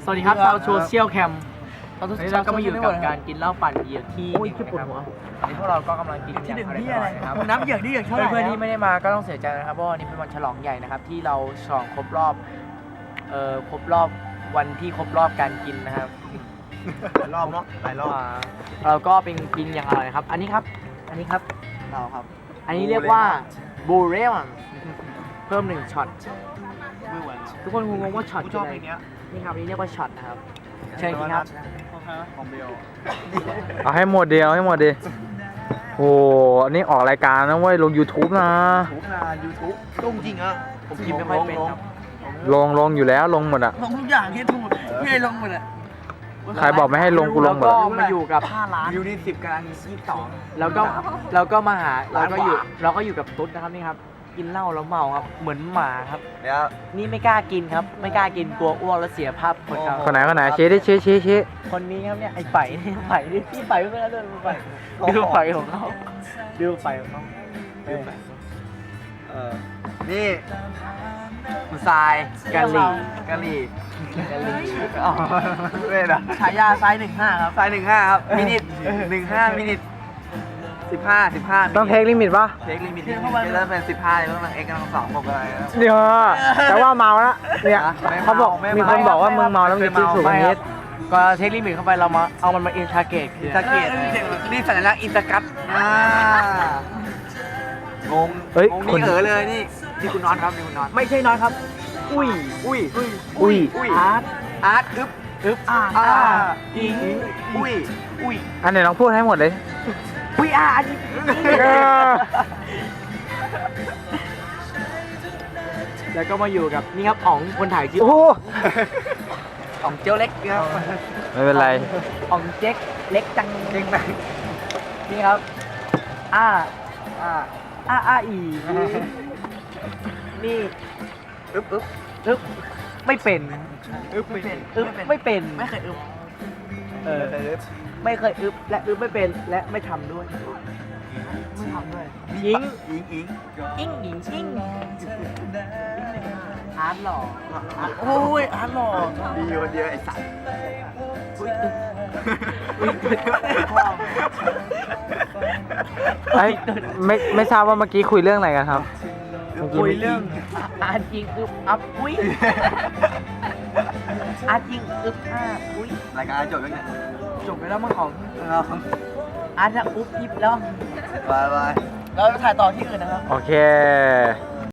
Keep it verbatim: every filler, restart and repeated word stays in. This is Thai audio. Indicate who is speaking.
Speaker 1: สวัสดีครับชาวโซเชียลแคมวันนี้เราก็มาอยู่กับการกินเหล้าปั่นเหยื่อที่หนึ่งนะครับวันนี้พวกเราก็กำลังกินที่หนึ่งที่อะไรนะครับ
Speaker 2: น้ำเหยือกที่เหยือกเท่าไหร่
Speaker 1: เพื่อนๆที่ไม่ได้มาก็ต้องเสียใจนะครับเพราะวันนี้เป็นวันฉลองใหญ่นะครับที่เราฉลองครบรอบเอ่อครบรอบวันที่ครบรอบการกินนะครับ
Speaker 2: หลายรอบเนาะหลายรอบ
Speaker 1: เราก็เป็นกินอย่างอร่อยนะครับอันนี้ครับอันนี้ครับ
Speaker 2: เราครับ
Speaker 1: อันนี้เรียกว่าบูเรมันเพิ่มหนึ่งช็อต
Speaker 2: มือหวาน
Speaker 1: ทุกคนคงงงว่าช็อต
Speaker 2: กู
Speaker 1: คือ
Speaker 2: ชอบ
Speaker 1: อะไร
Speaker 2: เพลงเนี้ย
Speaker 1: นี่ครับอันนี้เรียกว่าช็อตนะครับเชิญกินครับ
Speaker 2: ของเบล
Speaker 3: เอาให้หมดเดียวให้หมดดิโอ้อันนี้ออกรายการนะเว้ยลง YouTube นะ
Speaker 2: ทุกนานยูทูบลงจริงอ่ะ
Speaker 1: ผมกินไม่ค่อยเป็นครับ
Speaker 3: ลงลงอยู่แล้วลงหมดอะ
Speaker 2: ลงทุกอย่างที่ถูกพี่ให้ลงหมดอ่ะ
Speaker 3: ใครบอกไม่ให้ลงกูลงหมด
Speaker 1: แล้ว
Speaker 3: อะ
Speaker 1: ก็มาอยู่กับ
Speaker 2: ห้าล้านวิวนี่สิบกำลังยี่สิบสอง
Speaker 1: แล้วก็แล้วก็มาหาเราก็อยู่
Speaker 2: ล้านกว่า
Speaker 1: เราก็อยู่กับตุ๊ดนะครับนี่ครับกินเหล้าแล้วเมาครับเหมือนหมาครับ
Speaker 2: เดี๋ยว
Speaker 1: นี่ไม่กล้ากินครับ ไม่กล้ากินกลัวอ้วกแล้วเสียภาพคนครับ
Speaker 3: คนไหนคนไหนชี้ดิชี้ชี้ชี้
Speaker 1: คนนี้ครับเนี่ยไอ้ไฝ่เนี่ยไฝ่นี่พี่ไฝ่ไม่เป็นไรเดินไฝ่ดูไฝ่ของเขาดูไฝ่ของเขาดูไฝ่
Speaker 2: เออนี่
Speaker 1: คุณทรายกะหรี่
Speaker 2: กะหรี่
Speaker 1: กะหรี่
Speaker 2: อ๋อเว้ยนะ
Speaker 1: ฉายาทรายหนึ่งห้าครับ
Speaker 2: สายหนึ่งห้าครับมินิทหนึ่งห้ามินิทสิบห้าสิบห้า
Speaker 3: ต้องเทคลิมิตปะ
Speaker 2: เทคลิมิตที่แล้วเป็นสิบห้าแล้วมันเอ็กซ์กำลังสองบอกอะไรนะ
Speaker 3: เดี๋ยวแต่ว่าเมาแล้วเนี่ย
Speaker 2: ไม่เมา
Speaker 3: เขาบอก
Speaker 2: ไม่เมามี
Speaker 3: มีคนบอกว่ามึงเมาแล้วมึงจะคิดสูงกว่านี้
Speaker 1: ก็เทคลิมิตเข้าไปเรามาเอามันมาอินทาเกตคือ
Speaker 2: อินสตาเกตนี่สัญลักษณ์อินสตากัตอ่างง
Speaker 3: เฮ้ย
Speaker 2: งง
Speaker 3: คน
Speaker 2: นี่เออเลยนี่นี่คุณน็อตครับนี่คุณน็อต
Speaker 1: ไม่ใช่น้อยครับ อุ้ย
Speaker 2: อุ้ย
Speaker 3: อุ้ย
Speaker 2: อุ้ย
Speaker 1: อาร์ต
Speaker 2: อาร์ตอึ๊บ
Speaker 1: อึ๊บอ่า
Speaker 2: อ่า
Speaker 1: อิง
Speaker 2: อุ้ยอุ้ย
Speaker 3: อันไหนลองพูดให้หมดเลย
Speaker 1: อุ้ยอาร์ต
Speaker 3: เออ
Speaker 1: แล้วก็มาอยู่กับนี่ครับอ๋องคนถ่ายชื่อ
Speaker 3: โอ้โห
Speaker 1: อ๋องเจียวเล็กครับ
Speaker 3: ไม่เป็นไร
Speaker 1: อ๋องเจ๊กเล็กจัง
Speaker 2: เก่งไหน
Speaker 1: นี่ครับอ้า
Speaker 2: อ่า
Speaker 1: อ้าอ้าอีนี่
Speaker 2: อึ๊บอึ๊บ
Speaker 1: อึ๊บไม่เป็น
Speaker 2: อึ๊บไม่เป็น
Speaker 1: อึ๊บไม่เป็น
Speaker 2: ไม่เคยอึ๊บ
Speaker 1: เออ
Speaker 2: ไม่เคยอึ๊บ
Speaker 1: ไม่เคยอึ๊บและอึ๊บไม่เป็นและไม่ทำด้วย
Speaker 2: ไม่ทำด้วย
Speaker 1: ยิง
Speaker 2: ยิงยิง
Speaker 1: อิงอิงอิงอาร์ตหล่อ
Speaker 2: โอ้ยอาร์ตหล่อดีคนเดียวไอ้สัตว์
Speaker 1: อุ้ยอึ๊บอุ้ยพ่อ
Speaker 3: ไอ้ยไม่ไม่ทราบว่าเมื่อกี้คุยเรื่องอะไรกันครับ
Speaker 1: คุยเรื่องอาร์ตยิงอึ๊บอัพอุ้ยอาร์ตยิงอึ๊บห้าอุ้ย
Speaker 2: รายการจบแล้วเนี่ย
Speaker 1: จบไปแล้วมั้งของ
Speaker 2: เอา
Speaker 1: อาร์ตจะอุ๊บอิ๊บแล้ว
Speaker 2: บายบาย
Speaker 1: เราจะถ่ายต่อที่อื่นนะครับ
Speaker 3: โอเค